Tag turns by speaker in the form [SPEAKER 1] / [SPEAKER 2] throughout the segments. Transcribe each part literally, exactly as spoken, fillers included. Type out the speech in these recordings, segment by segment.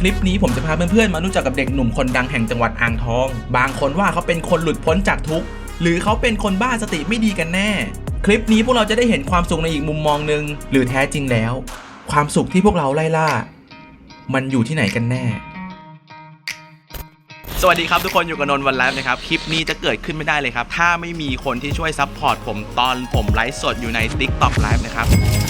[SPEAKER 1] ลิปนี้ผมจะพาเพื่อนๆมารู้จักกับเด็กหนุ่มคนดังแห่งจังหวัดอ่างทองบางคนว่าเขาเป็นคนหลุดพ้นจากทุกข์หรือเขาเป็นคนบ้าสติไม่ดีกันแน่คลิปนี้พวกเราจะได้เห็นความสุขในอีกมุมมองหนึ่งหรือแท้จริงแล้วความสุขที่พวกเราไล่ล่ามันอยู่ที่ไหนกันแน่สวัสดีครับทุกคนอยู่กับนนท์วันไลฟ์นะครับคลิปนี้จะเกิดขึ้นไม่ได้เลยครับถ้าไม่มีคนที่ช่วยซัพพอร์ตผมตอนผมไลฟ์สดอยู่ใน TikTok Live นะครับ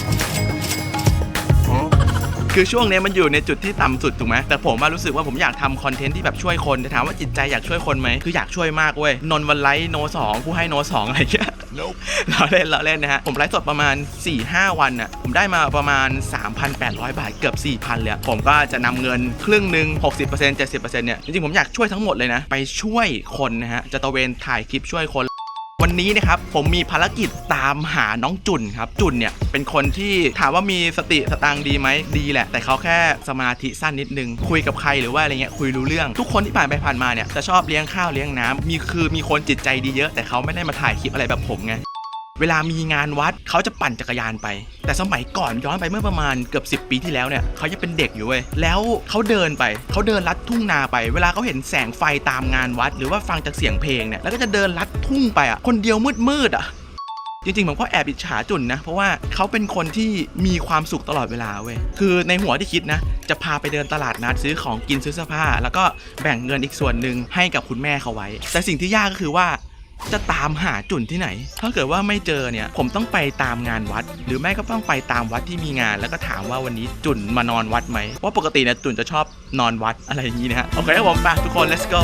[SPEAKER 1] คือช่วงนี้มันอยู่ในจุดที่ต่ำสุดถูกไหมแต่ผมว่ารู้สึกว่าผมอยากทำคอนเทนต์ที่แบบช่วยคนแต่ถามว่าจิตใจอยากช่วยคนไหมคืออยากช่วยมากเว้ยนนท์วันไลฟ์โนสองผู้ให้โนสองอะไรเงี้ย nope. เราเล่นเราเล่นนะฮะผมไลฟ์สดประมาณ สี่ห้า วันอ่ะผมได้มาประมาณ สามพันแปดร้อย บาทเกือบ สี่พัน เลยผมก็จะนำเงินครึ่งหนึ่ง หกสิบเปอร์เซ็นต์ เจ็ดสิบเปอร์เซ็นต์ เนี่ยจริงๆผมอยากช่วยทั้งหมดเลยนะไปช่วยคนนะฮะจะตะเวนถ่ายคลิปช่วยคนวันนี้นะครับผมมีภารกิจตามหาน้องจุนครับจุนเนี่ยเป็นคนที่ถามว่ามีสติสตางค์ดีไหมดีแหละแต่เขาแค่สมาธิสั้นนิดนึงคุยกับใครหรือว่าอะไรเงี้ยคุยรู้เรื่องทุกคนที่ผ่านไปผ่านมาเนี่ยจะชอบเลี้ยงข้าวเลี้ยงน้ำมีคือมีคนจิตใจดีเยอะแต่เขาไม่ได้มาถ่ายคลิปอะไรแบบผมไงเวลามีงานวัดเขาจะปั่นจักรยานไปแต่สมัยก่อนย้อนไปเมื่อประมาณเกือบสิบปีที่แล้วเนี่ยเขายังเป็นเด็กอยู่เว้ยแล้วเขาเดินไปเขาเดินลัดทุ่งนาไปเวลาเขาเห็นแสงไฟตามงานวัดหรือว่าฟังจากเสียงเพลงเนี่ยแล้วก็จะเดินลัดทุ่งไปอ่ะคนเดียวมืดๆอ่ะจริงๆผมก็แอบอิจฉาจุนนะเพราะว่าเขาเป็นคนที่มีความสุขตลอดเวลาเว้ยคือในหัวที่คิดนะจะพาไปเดินตลาดนัดซื้อของกินซื้อเสื้อผ้าแล้วก็แบ่งเงินอีกส่วนหนึ่งให้กับคุณแม่เขาไว้แต่สิ่งที่ยากก็คือว่าจะตามหาจุนที่ไหนถ้าเกิดว่าไม่เจอเนี่ยผมต้องไปตามงานวัดหรือไม่ก็ต้องไปตามวัดที่มีงานแล้วก็ถามว่าวันนี้จุนมานอนวัดไหมเพราะปกติเนี่ยจุนจะชอบนอนวัดอะไรอย่างนี้นะฮะโอเคครับผมไปทุกคน let's go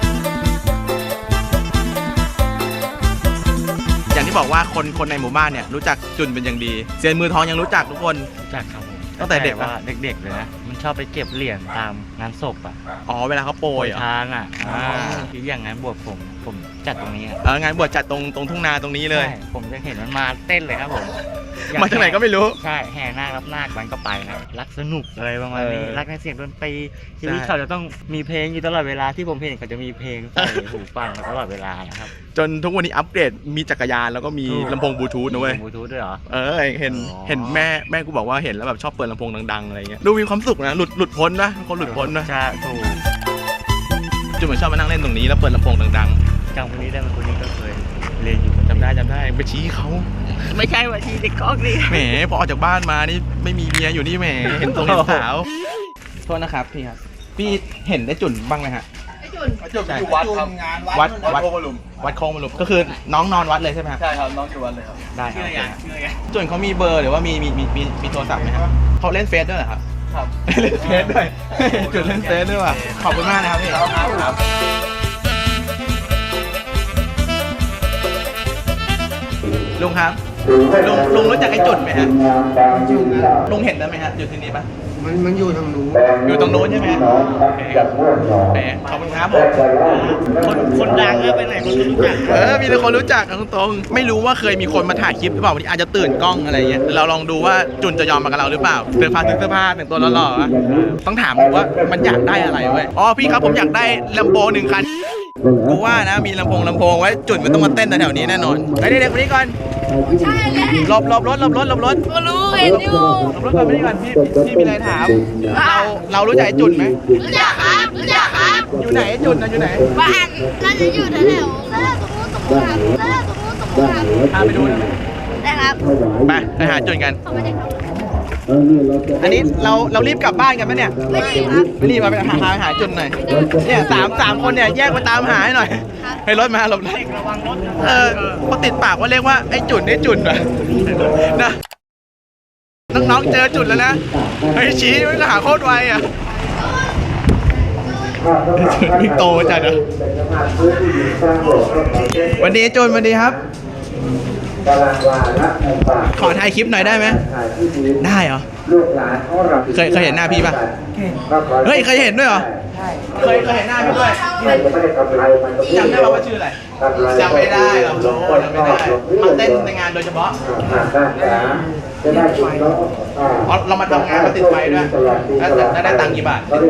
[SPEAKER 1] อย่างที่บอกว่าคนคนในหมู่บ้านเนี่ยรู้จักจุนเป็นอย่างดีเซียนมือทองยังรู้จักทุกคน
[SPEAKER 2] รู้จักครับผม
[SPEAKER 1] ตั้งแต่เด็กว่า
[SPEAKER 2] เด็กๆเลยนะมันชอบไปเก็บเหรียญตามงานศพอ่ะ
[SPEAKER 1] อ๋อเวลาเขาโปรย
[SPEAKER 2] ทางอ่ะคืออย่างงานบวชผมผมจัดตรงนี้
[SPEAKER 1] เอองานบวชจัดตรงตรงทุ่งนาตรงนี้เลย
[SPEAKER 2] ผมจะเห็นมันมาเต้นเลยครับผม
[SPEAKER 1] มาจากไหนก็ไม่รู้
[SPEAKER 2] ใช่แห่นาครับนาคมันก็ไปนะรักสนุกอะไรประมาณนี้รักในเสียงดนตรีชีวิตเขาจะต้องมีเพลงอยู่ตลอดเวลาที่ผมเห็นเขาจะมีเพลงใส่หูฟังตลอดเวลานะครับ
[SPEAKER 1] จนทุกวันนี้อัปเกรดมีจักรยานแล้วก็มีลำโพงบลูทูธนะเว้ย
[SPEAKER 2] บลูทูธด้วยเหรอ
[SPEAKER 1] เออเห็นเห็นแม่แม่กูบอกว่าเห็นแล้วแบบชอบเปิดลำโพงดังๆอะไรเงี้ยดูมีความสุขนะหลุดหลุดพ้นนะคนหลุดพ้นนะ
[SPEAKER 2] ใช่ถูก
[SPEAKER 1] จุดเหมือนชอบมานั่งเล่นตรงนี้แล้วเปิดลำโพงดัง
[SPEAKER 2] ๆจำคนนี้ได้ไหมคนนี้ก็เคยเรียนอยู่
[SPEAKER 1] จำได้จำได้ไปชี้เขา
[SPEAKER 2] ไม่ใช่ว่าชี้เด็กก๊อกนี่
[SPEAKER 1] แหมพอออกจากบ้านมานี่ไม่มีเมียอยู่นี่แหมเห็นตรงเห็นสาวโทษนะครับพี่ครับพี่เห็นได้จุนบ้างไหมฮะ
[SPEAKER 3] จุนจุนอยู่วัดทำงาน
[SPEAKER 1] วัดวัดโคงมลุมวัดโคงมลุมก็คือน้องนอนวัดเลยใช่ไหมครับ
[SPEAKER 3] ใช่ครับน้องอยู่วัดเลยครับ
[SPEAKER 1] ได้ครับจุนเขามีเบอร์หรือว่ามีมีมีมีโทรศัพท์ไหมครับเขาเล่นเฟซด้วยเหรอครับ
[SPEAKER 3] ครับ
[SPEAKER 1] เล่นเฟซด้วยจุนเล่นเฟซด้วยว่ะขอบคุณมากนะครับพี่ครับลุงครับลุงลุงรู้จักไอ้จุดไหมฮะลุงเห็นได้ไหมฮะอยู่ที่นี่ปะ
[SPEAKER 4] มันมันอยู่ตรงนู้น
[SPEAKER 1] อยู่ตรงโน้นใช่ไหมโอเคครับขอบคุณครับผม
[SPEAKER 2] คนคนดังแล้วไปไหนคนรู้จัก
[SPEAKER 1] เออมีแต่คนรู้จักกันตรงๆไม่รู้ว่าเคยมีคนมาถ่ายคลิปหรือเปล่าวันนี้อาจจะตื่นกล้องอะไรอย่างเงี้ยเราลองดูว่าจุนจะยอมมากับเราหรือเปล่าเสื้อผ้าเสื้อผ้าแต่งตัวหล่อๆต้องถามว่ามันอยากได้อะไรเว้ยอ๋อพี่ครับผมอยากได้ลำโพงหนึ่งคันกูว่านะมีลำโพงลำโพงไว้จุดมันต้องมาเต้นแถวนี้แน่นอนไปเด็กๆคนนี้ก่อน
[SPEAKER 3] ใช่เลย
[SPEAKER 1] หลบหลบรถหลบรถหลบรถ
[SPEAKER 3] กูรู้เห็นอยู่
[SPEAKER 1] หลบรถก่อนไปนี่ก่อนพี่พี่มีอะไรถามเราเรารู้จักไอ้จุดไหม
[SPEAKER 3] รู้จักครับรู้จักครับ
[SPEAKER 1] อยู่ไหนไอ้จุดนะอยู่ไหน
[SPEAKER 3] บ้านน่าจะอยู่แถวๆแล้วตรงนู้นตรงนู้นครับแล้วตรงนู้นตรงนู้นครับ
[SPEAKER 1] พาไปดูได้ไหม
[SPEAKER 3] ได้ครับ
[SPEAKER 1] ไปไปหาจุดกันอันนี้เราเรารีบกลับบ้านกันไหมเนี่ย
[SPEAKER 3] ไม่รีบครับ
[SPEAKER 1] ไม่รีบมาไปหาหาหาจุดหน่อยเนี่ยสามสามคนเนี่ยแยกไปตามหาให้หน่อยให้รถมาหลบเลยระวังรถเออพอติดปากว่าเรียกว่าไอ้จุดไอ้จุดนะนะน้องๆเจอจุดแล้วนะไอ้ชี้มันหาโคตรไวอ่ะนี่โตจัดนะวันนี้จุดวันนี้ครับขอถ่ายคลิปหน่อยได้ไหมได้เหรอเคยเคยเห็นหน้าพี่ป่ะเฮ้ยเคยเห็นด้วยเหรอเคยเคยเห็นหน้าพี่ด้วยจำได้ป่ะว่าชื่ออะไรจำไม่ได้หรอกโจจำไม่ได้มาเต้นในงานโดยเฉพาะเรามาทำงานมาติดไฟด้วยแล้วได้ตังค์กี่บาทติดไฟ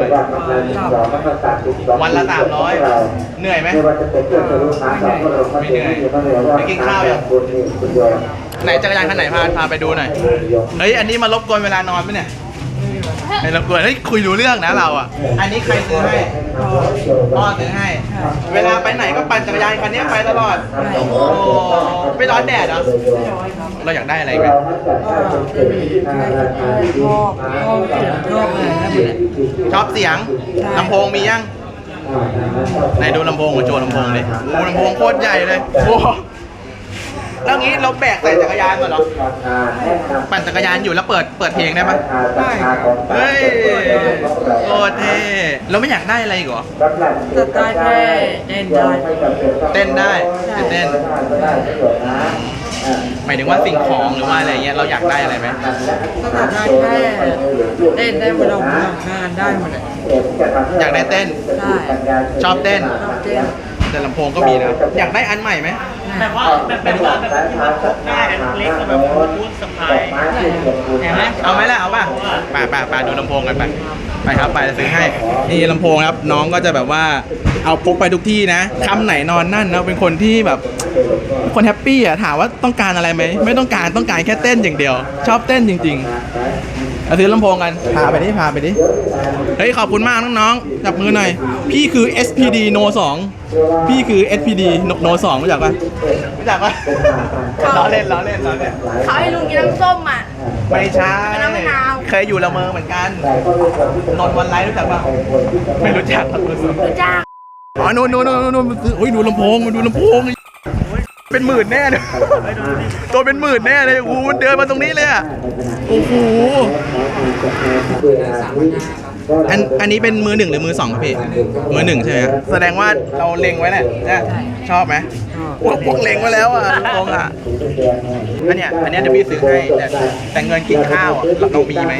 [SPEAKER 1] วันละสามร้อยเหนื่อยไหมไม่เหนื่อยไปกินข้าวยังไหนจักรยานคันไหนพาพาไปดูหน่อยเฮ้ยอันนี้มารบกวนเวลานอนไหมเนี่ย
[SPEAKER 3] ให้
[SPEAKER 1] ไม่รบกวนเฮ้ยคุยรู้เรื่องนะเราอ่ะ อันนี้ใครซื้อให้พ่อซื้อให้ เวลาไปไหนก็ปั่นจักรยานคันนี้ไปตลอดโอ้ไม่ร้อนแดดเหรอเราอยากได้อะไรไหม ชอบเสียงลำโพงมียังไหนดูลำโพงกับโจลำโพงเลยโอ้ลำโพงโคตรใหญ่เลยโอ้แล้วงี้เราแบกใส่จักรยานก่อนเหรอปั่นจักรยานอยู่แล้วเปิดเปิดเพลงได้ปะได้เฮ้ยโคตรเท่เราไม่อยากได้อะไรอีกเหรอ
[SPEAKER 4] จะได้แค่เต้นได้
[SPEAKER 1] เต้นได้เต้นหมายถึงว่าสิ่งของหรือว่าอะไรเงี้ยเราอยากได้อะไรไหม
[SPEAKER 4] ก็จะได้แค่เต้นได้หมดเราทำงานได้หมดเลย
[SPEAKER 1] อยากได้เต้น
[SPEAKER 4] ได้
[SPEAKER 1] ชอบเต้น
[SPEAKER 4] ชอบเต้น
[SPEAKER 1] แต่ลำโพงก็มีนะอยากได้อันใหม่ไหม
[SPEAKER 2] แบบว่าแบบแบบว่าแบบที่มันพกง่ายอันเล็กแบบบลูทูธสะพายเห็นไหม
[SPEAKER 1] เอาไหมล่ะเอาป่ะไปไปไปดูลำโพงกันไปไปครับไปจะซื้อให้นี่ลำโพงครับน้องก็จะแบบว่าเอาพกไปทุกที่นะคำไหนนอนนั่นนะเป็นคนที่แบบคนแฮปปี้อ่ะถามว่าต้องการอะไรไหมไม่ต้องการต้องการแค่เต้นอย่างเดียว ชอบเต้นจริงๆเอาซื้อลำโพงกันพาไปดิพาไปดิเฮ้ยขอบคุณมากน้องๆจับมือหน่อยพี่คือ เอส พี ดี โน สอง พี่คือ เอส พี ดี โน สองรู้จักปะรู้จักปะล้อเล่นล้อเล่นล้อเล่น
[SPEAKER 3] เขาให้ลุงกินน้ำส้มอ่ะ
[SPEAKER 1] ไม่ใช่
[SPEAKER 3] เป็นน้ำมะนาว
[SPEAKER 1] เคยอยู่ละเมอเหมือนกันนนท์วันไลฟ์รู้จักปะไม่รู้จักครับ
[SPEAKER 3] รู้จัก
[SPEAKER 1] อ๋อนู่นนู่นนู่นนู่นโอ้ยดูลำโพงมาดูลำโพงเป็นหมื่นแน่เลยตัวเป็นหมื่นแน่เลยโอ้โหมันเดินมาตรงนี้เลยอ่ะโอ้โหอันอันนี้เป็นมือหนึ่งหรือมือสองครับพี่มือหนึ่งใช่ไหมครับแสดงว่าเราเล็งไว้แหละนะชอบไหมพวกพวกเล็งไว้แล้วอ่ะลำโพงอ่ะอันเนี้ยอันเนี้ยเดี๋ยวพี่ซื้อให้แต่แต่เงินกินข้าวอ่ะเราเรามีไหม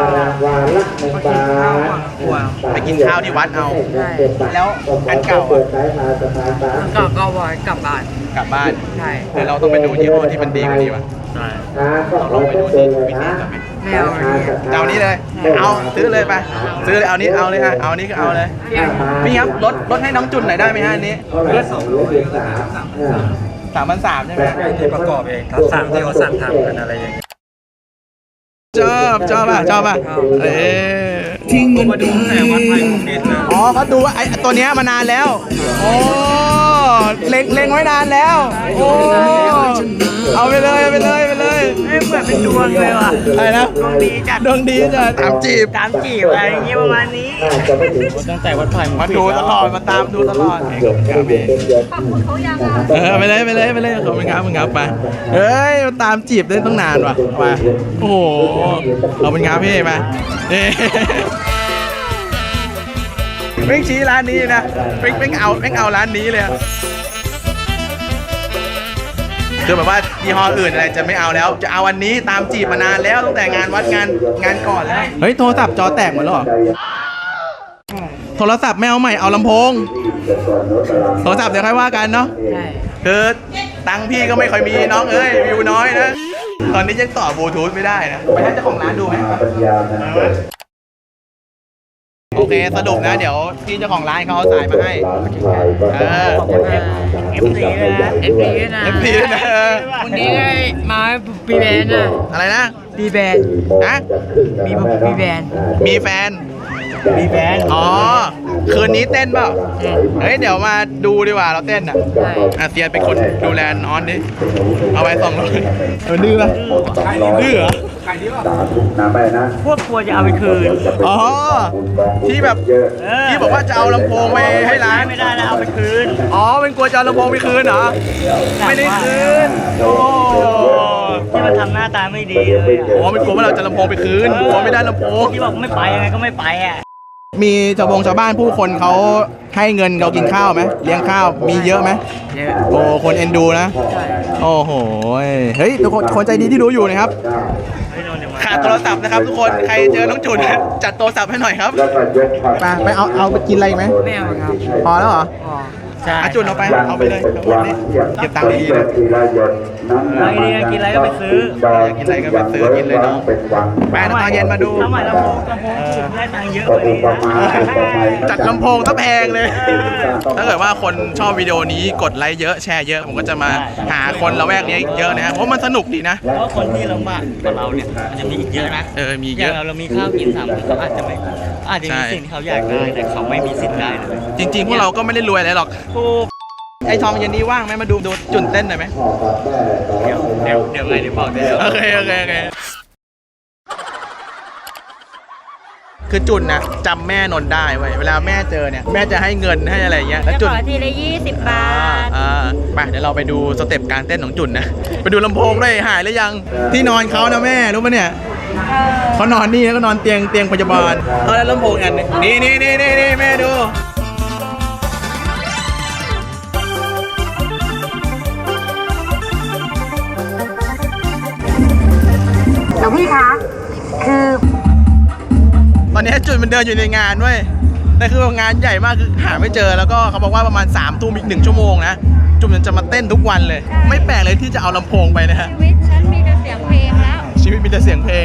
[SPEAKER 1] ไปกินข้าวที่วัดเอา แล้วอันเก่าอะ
[SPEAKER 4] ก็ก็ไว้กลับบ้าน
[SPEAKER 1] กลับบ้าน
[SPEAKER 4] ใช่
[SPEAKER 1] เดี๋ยวเราต้องไปดูยี่ห้อที่มันดีกว่านี้ว่ะ
[SPEAKER 2] ใช่
[SPEAKER 1] เราลองไปดูที่วิธีกันไหม
[SPEAKER 4] ไม่เอาอันนี้
[SPEAKER 1] จะเอานี้เลย เอาซื้อเลยไป ซื้อเลยเอานี้เอาเลยฮะ เอานี้ก็เอาเลยพี่ครับลดลดให้น้องจุนหน่อยได้ไหมฮะอันนี้ลดสองร้อยสามพันสามใช่ไหม
[SPEAKER 2] ที่ประกอบเองครับสั่งที่เขาสั่งทำกันอะไรอย่างเงี้ย
[SPEAKER 1] ชอบชอบป่ะชอบป่ะเอ๊ทิ้งเงิน
[SPEAKER 2] มาดูตั้งแต่วัดไทยของดินนะ
[SPEAKER 1] อ๋อเขาดูว่าไอ้ตัวเนี้ยมานานแล้ว โอ้เล็งเล็งไว้นานแล้ว โอ้เอาไปเลยเอาไปเลยไปเลย
[SPEAKER 2] เหมือนเป็นดวงเลยว่ะ
[SPEAKER 1] อะไรนะ
[SPEAKER 2] ดวงดีจัด
[SPEAKER 1] ดวงดีจะตามจีบ
[SPEAKER 2] ตามจีบอะไรอย่างเงี้ยประมาณนี้ตั้งแต่วัดไผ่
[SPEAKER 1] มาดูตลอดมาตามดูตลอด
[SPEAKER 3] ขอบคุณเขายังอ่ะ
[SPEAKER 1] เออไปเลยไปเลยไปเลยขอบคุณครับขอบคุณครับไปเฮ้ยมาตามจีบได้ตั้งนานว่ะมาโอ้โหขอบคุณครับพี่มาเฮ้ไม่ชี้ร้านนี้นะไม่ไม่เอาไม่เอาร้านนี้เลยอะคือแบบว่ายี่ห้ออื่นอะไรจะไม่เอาแล้ว จะเอาวันนี้ตามจีบมานานแล้วตั้งแต่งานวัดงานงานก่อนแล้วเฮ้ยโทรศัพท์จอแตกหมดแล้วเหรอโทรศัพท์ไม่เอาใหม่เอาลำโพงโทรศัพท์เดี๋ยวค่อยว่ากันเนาะ
[SPEAKER 4] ใช่
[SPEAKER 1] คือตังค์พี่ก็ไม่ค่อยมีน้องเอ้ยวิวน้อยนะตอนนี้ยังต่อบลูทูธไม่ได้นะไปให้เจ้าของร้านดูไหมโอเคสรุปนะเดี๋ยวพี่เจ้าของร้านเขาเอาสายมาให้เออ
[SPEAKER 2] เอฟซีเลยนะ
[SPEAKER 4] เอฟพีด้วยนะ
[SPEAKER 1] เอฟพีด้วยนะเออ
[SPEAKER 4] วันนี้ได้มาปีแบนด์นะ
[SPEAKER 1] อะไรนะ
[SPEAKER 4] ปีแบนด์
[SPEAKER 1] ฮะ
[SPEAKER 4] มีปีแบนด์
[SPEAKER 1] มีแฟน
[SPEAKER 2] มีแบนด์
[SPEAKER 1] อ๋อคืนนี้เต้นเปล่าเฮ้ยเดี๋ยวมาดูดีกว่าเราเต้นอ่ะ
[SPEAKER 4] ใช่
[SPEAKER 1] อาเซียนเป็นคนดูแลน้องดิเอาไว้สองร้อยเออดื้อป่ะดื้อเหรอ
[SPEAKER 2] พวกกลัวจะเอาไปคืน
[SPEAKER 1] อ๋อที่แบบที่บอกว่าจะเอาลำโพงไปให้ร้าน
[SPEAKER 2] ไม่ได้แล้วเอาไปคืน
[SPEAKER 1] อ๋อเป็นกลัวจะเอาลำโพงไปคืนเหรอไม่ได้คืนโอ้
[SPEAKER 2] ที่มันทำหน้าตาไม่ดีเลยอ่ะ
[SPEAKER 1] โหเป็นกลัวว่าเราจะลำโพงไปคืนกลัวไม่ได้ลำโพง
[SPEAKER 2] ที่บอกไม่ไปยังไงก็ไม่ไปอ่ะ
[SPEAKER 1] มีชาวบงชาวบ้านผู้คนเขาให้เงินเรากินข้าวไหมเลี้ยงข้าวมีเยอะไหม
[SPEAKER 4] เยอะ
[SPEAKER 1] โอ้คนเอ็นดูนะ
[SPEAKER 4] ใช่
[SPEAKER 1] โอ้โหเฮ้ยทุกคนคนใจดีที่ดูอยู่นะครับขาดโทรศัพท์นะครับทุกคนใครเจอน้องจุนจัดโทรศัพท์ให้หน่อยครับไปไปเอาเอาไปกินอะไรไหม
[SPEAKER 4] ไม่เอาครับ
[SPEAKER 1] พอแล้วเหรอ
[SPEAKER 4] อ๋อ
[SPEAKER 2] ใช่
[SPEAKER 1] อาจุนเอาไปเอาไปเลยเอาไปเลยเก็บตังค์ดีๆนะ
[SPEAKER 2] อะไรเนี่ยกินอะไรก็ไปซื้อ
[SPEAKER 1] อยากกินอะไรก็ไปซื้อกินเลยน้องแปดตอนเย็นมาดู
[SPEAKER 2] ทำไมลำโพงลำโพงจุดได้ตังค์เยอะกว่านี้นะ
[SPEAKER 1] จัดลำโพงซะแพงเลย ถ้าเกิดว่าคนชอบวิดีโอนี้กดไลค์เยอะแชร์เยอะผมก็จะมาหาคนละแวกนี้เยอะนะฮะเพราะมันสนุกดีนะ
[SPEAKER 2] เพราะคนที่ลำบากกว่าเราเนี่ยมันจะมีอีกเยอะนะ
[SPEAKER 1] เออมี
[SPEAKER 2] อ
[SPEAKER 1] เย
[SPEAKER 2] ย่าง
[SPEAKER 1] อะ
[SPEAKER 2] เราเรามีข้าวกินสามมื้อเขาอาจจะไม่อาจจะมีสิ่งที่เขาอยากได้แต่เขาไม่มีสิทธิ์ได้เลย
[SPEAKER 1] จริงๆ พวกเราก็ไม่ได้รวยอะไรหรอกไอ้ทองเย็นนี้ว่างไหมมาดูดูจุนเต้นหน่อยไหม
[SPEAKER 2] เดี๋ยวเดี๋ยวเดี๋ยวไงเดี๋ยวบอกเดี๋ยว
[SPEAKER 1] โอเคโอเคโอเคคือจุนนะจำแม่นนได้เว้ยเวลาแม่เจอเนี่ยแม่จะให้เงินให้อะไรเงี้ยแล้ว
[SPEAKER 3] จะ
[SPEAKER 1] จุ
[SPEAKER 3] ข
[SPEAKER 1] น
[SPEAKER 3] อทีละยี่สิบบาท
[SPEAKER 1] อ่าไปเดี๋ยวเราไปดูสเต็ปการเต้นของจุนนะไปดูลำโพงด้วยหายหรือยังที่นอนเขานะแม่รู้ปะเนี่ยเขานอนนี่แล้วก็นอนเตียงเตียงพยาบาลเอาแล้วลำโพงอันหนึงนี่นี่นี่นี่นี่แม่ดู
[SPEAKER 5] หลวงพี่คะ คือ
[SPEAKER 1] ตอนนี้จุดมันเดินอยู่ในงานเว้ยแต่คืองานใหญ่มากคือหาไม่เจอแล้วก็เขาบอกว่าประมาณ3ามทุ่มอีกหนึ่งชั่วโมงนะจุดมันจะมาเต้นทุกวันเลย ไม่แปลกเลยที่จะเอาลำโพงไปนะฮะ
[SPEAKER 3] ชีวิตฉันมีแต่เสียงเพลงแล้ว
[SPEAKER 1] ชีวิตมีแต่เสียงเพลง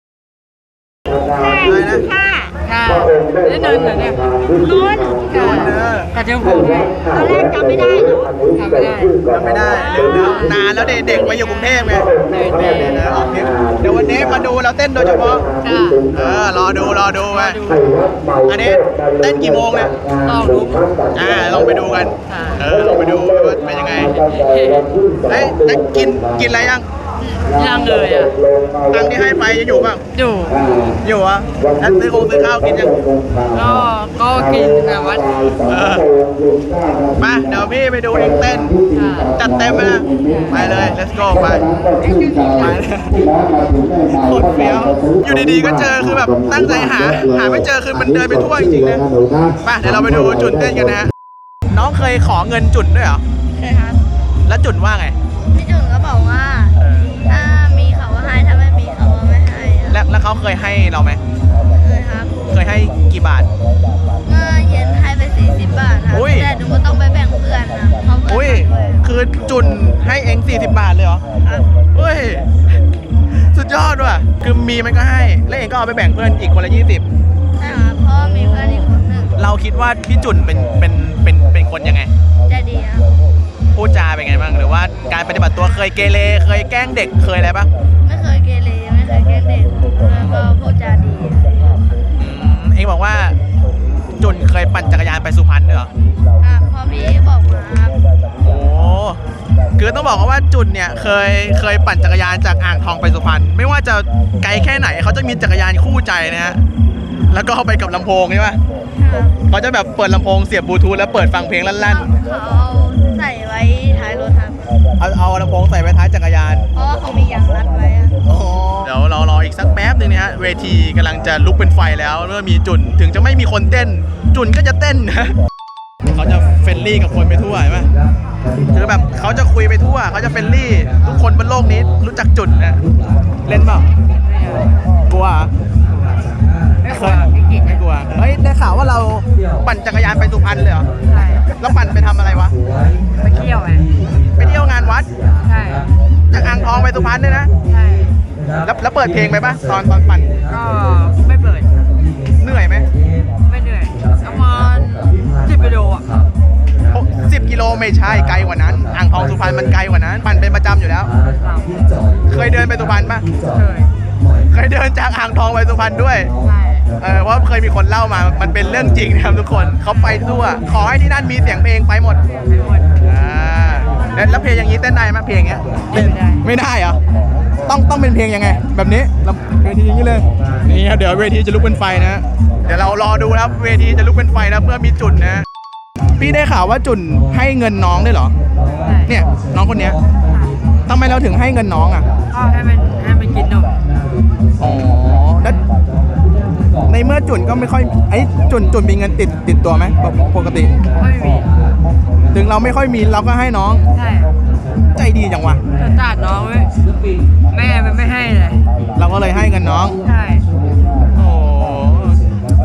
[SPEAKER 1] อะไรนะ
[SPEAKER 3] ค่ะ
[SPEAKER 4] ค่ะได้เดินเหรอเนี่ย
[SPEAKER 3] นุ่น
[SPEAKER 1] โดนเนอะ
[SPEAKER 4] กระเทียมผมไหม
[SPEAKER 3] ตอนแรกจำไม่ได้เหรอ
[SPEAKER 4] ทำไม่ได้
[SPEAKER 1] จำไม่ได้นานแล้วเด็กๆมาอยู่กรุงเทพไงเดี๋ยววันนี้มาดูเราเต้นโดยเฉพาะ
[SPEAKER 4] ค่ะ
[SPEAKER 1] เออรอดูรอดูไปอันนี้เต้นกี่โมงเนี่ย
[SPEAKER 4] ลองดู
[SPEAKER 1] อ่าลองไปดูกัน
[SPEAKER 4] ค่ะ
[SPEAKER 1] เออลองไปดูว่าเป็นยังไงเฮ้ยได้กินกินอะไรยัง
[SPEAKER 4] ยังเลยอ่ะ
[SPEAKER 1] ตังค์ที่ให้ไปยังอยู่บ้าง
[SPEAKER 4] อยู่
[SPEAKER 1] อยู่อ่ะแล้วซื้อคงซื้อข้าวกินยัง
[SPEAKER 4] ก็ก็กินแบบว่า
[SPEAKER 1] เออมาเดี๋ยวพี่ไปดูเองเต้น
[SPEAKER 4] ค่ะ
[SPEAKER 1] จัดเต็มไปนะไปเลย let's go ไปไปเลยโคตรเฟี้ยวอยู่ดีๆก็เจอคือแบบตั้งใจหา หาไม่เจอคือมันเดินไปทั่วจริงๆนะไปเดี๋ยวเราไปดูจุนเต้นกันนะฮะน้องเคยขอเงินจุนด้วยเหรอ
[SPEAKER 3] เคยครับ
[SPEAKER 1] แล้วจุนว่าไง
[SPEAKER 3] พี่จุ๋นก็บอกว่า ถ้ามีเขาก็ให้ ถ้าไม่มีเขาก็ไม่ให้อะ
[SPEAKER 1] แล้วแล้วเขาเคยให้เราไหม
[SPEAKER 3] เคยครับ
[SPEAKER 1] เคยให้กี่บาท
[SPEAKER 3] เมื่อเย็นให้ไปสี่สิบบาทครับ
[SPEAKER 1] อุ้ย
[SPEAKER 3] แต่หนูก็ต้องไปแบ่งเพื่อนนะเพราะเพื่
[SPEAKER 1] อุ้ย
[SPEAKER 3] อนด้วย
[SPEAKER 1] คือจุนให้เองสี่สิบบาทเลยเหรอ
[SPEAKER 3] ครับ
[SPEAKER 1] เฮ้ย สุดยอดว่ะ คือมีมันก็ให้ แล้วเองก็เอาไปแบ่งเพื่อนอีกคนละยี่สิบ
[SPEAKER 3] ใช่ครับเพราะว่ามีเพื่อนอีกคนหนึ่ง
[SPEAKER 1] เราคิดว่าพี่จุนเป็นเป็นเป็นเป็นคนยังไง
[SPEAKER 3] ใจดีครับ
[SPEAKER 1] พูดจาเป็นไงบ้าง หรือว่าการปฏิบัติตัวเคยเกเร เคยแกล้งเด็ก เคยอะไรบ้าง
[SPEAKER 3] ไม่เคยเกเรไม่เคยแกล้งเด็กแล้วก็พูดจาดี
[SPEAKER 1] อืมเองบอกว่า จุนเคยปั่นจักรยานไปสุพรรณด้วยเหรอ
[SPEAKER 3] อ่ะพอพี่บอกมาครับ
[SPEAKER 1] โอ้ คือต้องบอกว่าจุนเนี่ยเคยเคยปั่นจักรยานจากอ่างทองไปสุพรรณ ไม่ว่าจะไกลแค่ไหนเขาจะมีจักรยานคู่ใจนะฮะ แล้วก็เอาไปกับลำโพงใช่ปะ
[SPEAKER 3] ครับ
[SPEAKER 1] เขาจะแบบเปิดลำโพงเสียบบลูทูธแล้วเปิดฟังเพลงลั่น
[SPEAKER 3] เขาเอาใส่ไว้ท้ายรถครับ
[SPEAKER 1] ๆ เอาเอาลำโพงใส่ไว้ท้ายจักรยาน
[SPEAKER 3] เพราะว่าเขามียางรัดไว้อะ
[SPEAKER 1] เดี๋ยวเรารออีกสักแป๊บหนึงนะฮะ เวทีกำลังจะลุกเป็นไฟแล้วเมื่อมีจุนถึงจะไม่มีคนเต้น จุนก็จะเต้นนะเขาจะเฟรนลี่กับคนไปทั่วเห็นไหมคือแบบเขาจะคุยไปทั่วเขาจะเฟรนลี่ ทุกคนบนโลกนี้รู้จักจุนนะเล่นเปล่ากลัวเหรอ
[SPEAKER 4] ไม่ควรไม่กิน
[SPEAKER 1] ไม่กลัวเฮ้ยได้ข่าวว่าเราปั่นจักรยานไปสุพรรณเลยเหรอ
[SPEAKER 4] ใช่
[SPEAKER 1] แล้วปั่นไปทำอะไรวะ
[SPEAKER 4] ไปเที่ยวไง
[SPEAKER 1] ไปเที่ยวงานวัด
[SPEAKER 4] ใช่
[SPEAKER 1] จากอ่างทองไปสุพรรณเนี่ยนะ
[SPEAKER 4] ใช่
[SPEAKER 1] แล้วแล้วเปิดเพลงไปปะตอนตอนปั่น
[SPEAKER 4] ก็ไม่เปิด
[SPEAKER 1] เหนื่อยไหม
[SPEAKER 4] ไม่เหนื่อยประมาณสิบกิโลอ่ะ
[SPEAKER 1] สิบกิโลไม่ใช่ไกลกว่านั้น อ่างทองสุพรรณมันไกลกว่านั้น ปั่นเป็นประจำอยู่แล้ว เคยเดินไปสุพรรณปะ
[SPEAKER 4] เคย
[SPEAKER 1] เคยเดินจากอ่างทองไปสุพรรณด้วย
[SPEAKER 4] ใช่
[SPEAKER 1] เออเพราะเคยมีคนเล่ามา มันเป็นเรื่องจริงนะครับทุกคน เขาไปทั่ว ขอให้ที่นั่นมีเสียงเพลงไปหมด
[SPEAKER 4] ไม่หมด
[SPEAKER 1] อ่าแล้วแล้วเพลงอย่างนี้เต้นได้ไหมเพลงอย่างเงี้ย
[SPEAKER 4] ไม่ได้
[SPEAKER 1] ไม่ได้เหรอ ต้องต้องเป็นเพลงยังไง แบบนี้ลำเวทีอย่างนี้เลย นี่ครับเดี๋ยวเวทีจะลุกเป็นไฟนะ เดี๋ยวเรารอดูนะครับเวทีจะลุกเป็นไฟแล้วเพื่อมีจุดนะ พี่ได้ข่าวว่าจุนให้เงินน้องได้วยเหรอ
[SPEAKER 4] ใช่
[SPEAKER 1] เนี่ยน้องคนเนี้ยทำไมเราถึงให้เงินน้องอ่ะ
[SPEAKER 4] ก็ให้มันให้มันกินนม
[SPEAKER 1] อ๋อแล้วในเมื่อจุนก็ไม่ค่อยไอ้จุนจุนมีเงินติดติดตัวไหมปกปกติ
[SPEAKER 4] ไม่มี
[SPEAKER 1] ถึงเราไม่ค่อยมีเราก็ให้น้อง
[SPEAKER 4] ใช่
[SPEAKER 1] ใจดีจังวะ
[SPEAKER 4] จะตัดน้องไว้แม่มันไม่ให้เลย
[SPEAKER 1] เราก็เลยให้เงินน้อง
[SPEAKER 4] ใช่
[SPEAKER 1] โอ้ทำ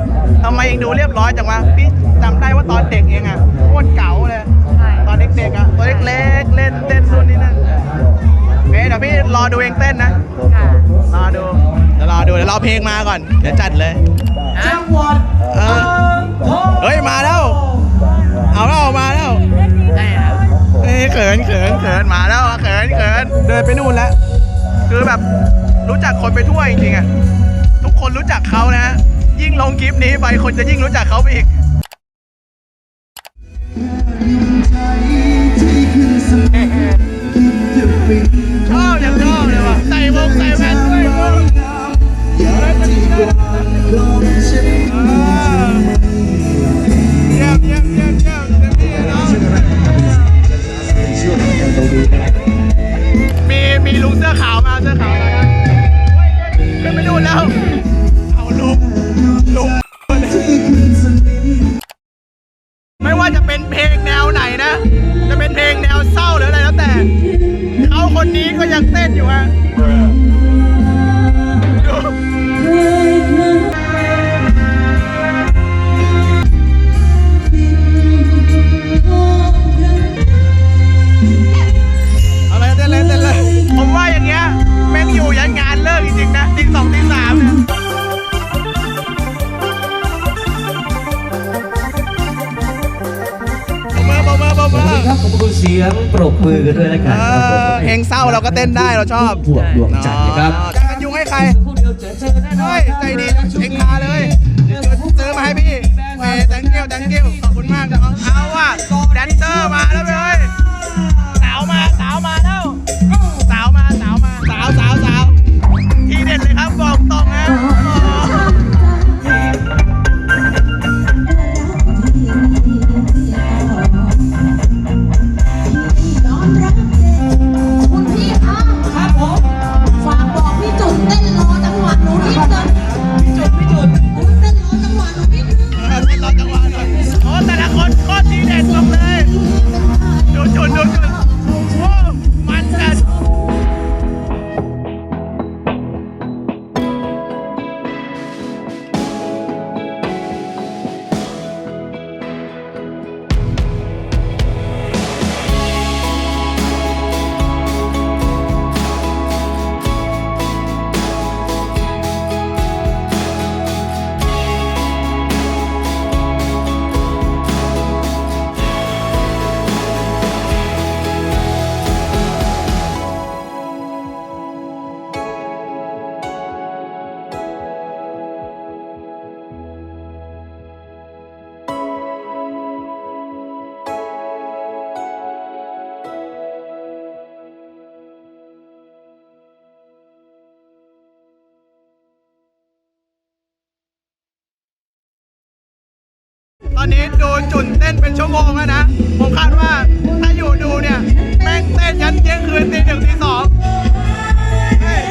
[SPEAKER 1] ำไมเองดูเรียบร้อยจังวะพี่จำได้ว่าตอนเด็กเองอะโคตรเก๋าเลยตอนเด็กๆอะตัวเล็กๆเล่นเต้นนู่นนี่นั่นเอ๊ะเดี๋ยวพี่รอดูเองเต้นนะรอดูเดี๋ยวรอดูเดี๋ยวรอเพลงมาก่อนเดี๋ยวจัดเลยจังหวัดเออเฮ้ยมาแล้วเอาแล้วมาแล้วเฮ้ยเขินเขินเขินมาแล้วเขินเขินเดินไปนู่นแล้วคือแบบรู้จักคนไปทั่วจริงๆอะทุกคนรู้จักเขานะฮะยิ่งลงคลิปนี้ไปคนจะยิ่งรู้จักเขาไปอีกชอบอย่างชอบเลยว่ะใส่วงใส่แว่นด้วยมึงเยี่ยมเยี่ยมเยี่ยมเยี่ยมเยี่ยมเยี่ยมพี่น้องมีมีลุงเสื้อขาวมาเสื้อขาวอะไรครับขึ้นไปดูแล้วเอาลุงลุงไม่ว่าจะเป็นเพลงแนวไหนนะจะเป็นเพลงแนวเศร้าหรืออะไรแล้วแต่เขาคนนี้ก็ยังเต้นอยู่ฮะอะไรเต้นเลยเต้นเลยผมว่าอย่างเงี้ยแม่งอยู่ยันงานเลิกจริงๆนะตีสองตีสามเนี่ย
[SPEAKER 6] ครับขอบคุณเสียงปรบมือกันด้วยแล้วกันครับผม
[SPEAKER 1] เพลงเศร้าเราก็เต้นได้เราชอบ
[SPEAKER 6] พวกดวงจันทร์นะครับ
[SPEAKER 1] จะกันยุงให้ใครเฮ้ยใจดีเองมาเลยซื้อมาให้พี่เฮ้ย thank you thank you ขอบคุณมากน้องเอาว่ะแดนเซอร์มาแล้วเว้ยสาวมาสาวมาแล้วสาวมาสาวมาสาวสาวสาวทีเด็ดเลยครับบอกตรงนะ
[SPEAKER 3] คุณพี่คะครับผมฝากบอกพี่จุดเต้นรอจังหวะหนูนิดนึงพี่จุดพี่จุดเต้นรอจังหวะหนูนิดนึง
[SPEAKER 1] เต้นรอจังหวะหน่อยโอ้แต่ละคนโคตรทีเด็ดบอกเลยดูจุดดูจุดโอ้มันจัดตอนนี้ดูจุดเต้นเป็นชั่วโมงแล้วนะ ผมคาดว่าถ้าอยู่ดูเนี่ยแม่งเต้นยันเที่ยงคืนตีหนึ่งตีสองเฮ้ย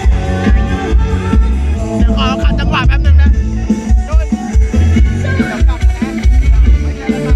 [SPEAKER 1] เดี๋ยวขอขัดจังหวะแป๊บนึงนะดูเดี๋ยวกลับมานะไม่ใช่แล้ว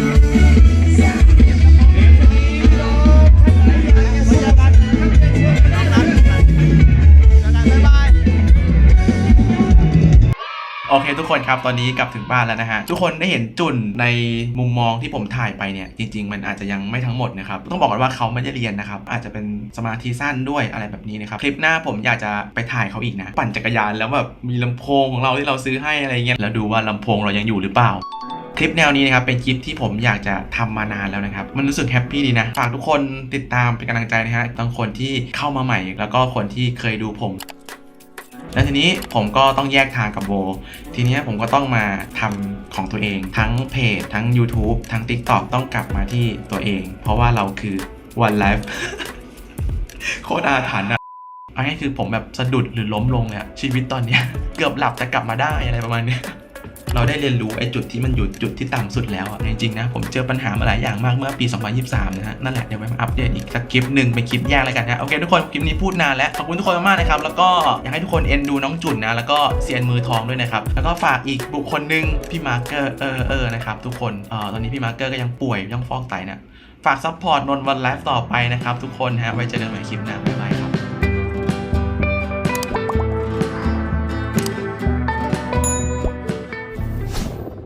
[SPEAKER 1] โอเคทุกคนครับตอนนี้กลับถึงบ้านแล้วนะฮะทุกคนได้เห็นจุนในมุมมองที่ผมถ่ายไปเนี่ยจริงๆมันอาจจะยังไม่ทั้งหมดนะครับต้องบอกก่อนว่าเขาไม่ได้เรียนนะครับอาจจะเป็นสมาธิสั้นด้วยอะไรแบบนี้นะครับคลิปหน้าผมอยากจะไปถ่ายเขาอีกนะปั่นจักรยานแล้วแบบมีลำโพงของเราที่เราซื้อให้อะไรเงี้ยแล้วดูว่าลำโพงเรายังอยู่หรือเปล่าคลิปแนวนี้นะครับเป็นคลิปที่ผมอยากจะทำมานานแล้วนะครับมันรู้สึกแฮปปี้ดีนะฝากทุกคนติดตามเป็นกำลังใจนะฮะทั้งคนที่เข้ามาใหม่แล้วก็คนที่เคยดูผมแล้วทีนี้ผมก็ต้องแยกทางกับโบทีนี้ผมก็ต้องมาทำของตัวเองทั้งเพจทั้ง YouTube ทั้ง TikTok ต้องกลับมาที่ตัวเองเพราะว่าเราคือ One Life โคตรอาถรรพ์อะอันนี้คือผมแบบสะดุดหรือล้มลงเนี่ยชีวิตตอนเนี้ยเกือบหลับจะกลับมาได้อะไรประมาณนี้เราได้เรียนรู้ไอ้จุดที่มันอยู่จุดที่ต่ำสุดแล้วอ่ะจริงๆนะผมเจอปัญหามาหลายอย่างมากเมื่อปีสองพันยี่สิบสามนะฮะนั่นแหละเดี๋ยวไปมาอัปเดตอีกสักคลิปหนึ่งเป็นคลิปแยกแล้วกันนะโอเคทุกคนคลิปนี้พูดนานแล้วขอบคุณทุกคนมากๆนะครับแล้วก็อยากให้ทุกคนเอ็นดูน้องจุนนะแล้วก็เซียนมือทองด้วยนะครับแล้วก็ฝากอีกบุคคลหนึ่งพี่มาร์เกอร์เออเออนะครับทุกคนเอ่อตอนนี้พี่มาร์เกอร์ก็ยังป่วยยังฟอกไตนะฝากซัพพอร์ตนนท์วันไลฟ์ต่อไปนะครับทุกคนฮะไว้เจอกันใหม่คลิปหน้าบ๊ายบาย